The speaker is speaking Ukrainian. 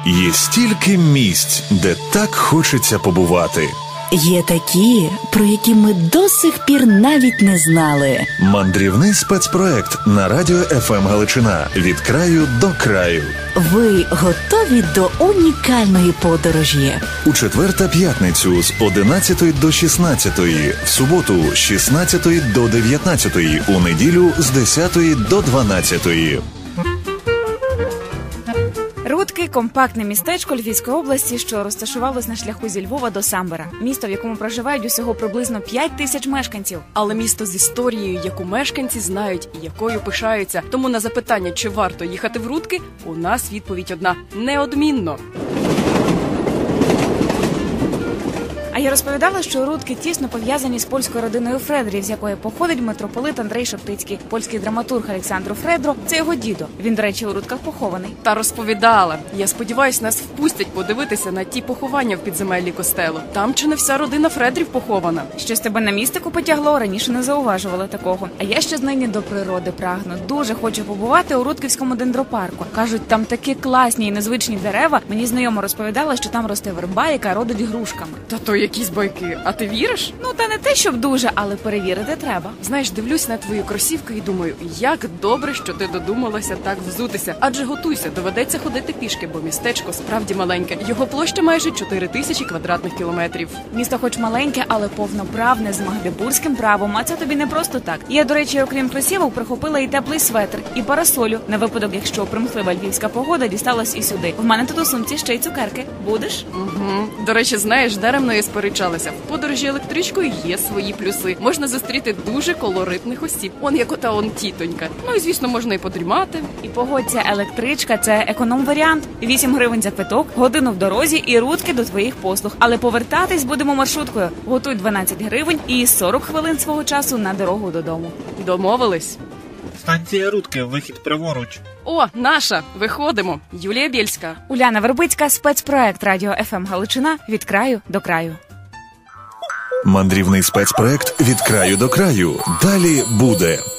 Є стільки місць, де так хочеться побувати. Є такі, про які ми до сих пір навіть не знали. Мандрівний спецпроект на радіо ФМ Галичина. Від краю до краю. Ви готові до унікальної подорожі? У четвер та п'ятницю з 11 до 16, в суботу з 16 до 19, у неділю з 10 до 12. Рудки – компактне містечко Львівської області, що розташувалось на шляху зі Львова до Самбора. Місто, в якому проживають усього приблизно 5 тисяч мешканців. Але місто з історією, яку мешканці знають і якою пишаються. Тому на запитання, чи варто їхати в Рудки, у нас відповідь одна – неодмінно. А я розповідала, що Рудки тісно пов'язані з польською родиною Фредерів, з якої походить митрополит Андрей Шептицький. Польський драматург Олександр Фредро – це його дідо. Він, до речі, у Рудках похований. Та розповідала. Я сподіваюсь, нас впустять подивитися на ті поховання в підземеллі костелу. Там чи не вся родина Фредрів похована. Щось тебе на містику потягло, раніше не зауважувала такого. А я ще нині до природи прагну. Дуже хочу побувати у Рудківському дендропарку. Кажуть, там такі класні і незвичні дерева. Мені знайома розповідала, що там росте верба, яка родить грушками. Та то якісь байки. А ти віриш? Ну, та не те, щоб дуже, але перевірити треба. Знаєш, дивлюсь на твою кросівку і думаю, як добре, що ти додумалася так взутися. Адже готуйся, доведеться ходити пішки, бо містечко справді маленьке. Його площа майже 4000 квадратних кілометрів. Місто хоч маленьке, але повноправне, з магдебурзьким правом, а це тобі не просто так. Я, до речі, окрім кросівок, прихопила і теплий светр, і парасолю, на випадок, якщо примхлива львівська погода дісталась і сюди. В мене тут у сумці ще й цукерки. Будеш? Угу. До речі, знаєш, даремно я сперечалася. В подорожі електричкою є свої плюси. Можна зустріти дуже колоритних осіб. Он як ота он тітонька. Ну і, звісно, можна і подрімати. І погодься, електричка – це економ-варіант. 8 гривень за квиток, годину в дорозі і Рудки до твоїх послуг. Але повертатись будемо маршруткою. Готуй 12 гривень і 40 хвилин свого часу на дорогу додому. Домовились? Станція Рудки, вихід праворуч. О, наша! Виходимо. Юлія Бєльська. Уляна Вербицька, спецпроект радіо ФМ Галичина від краю до краю. Мандрівний спецпроект від краю до краю. Далі буде.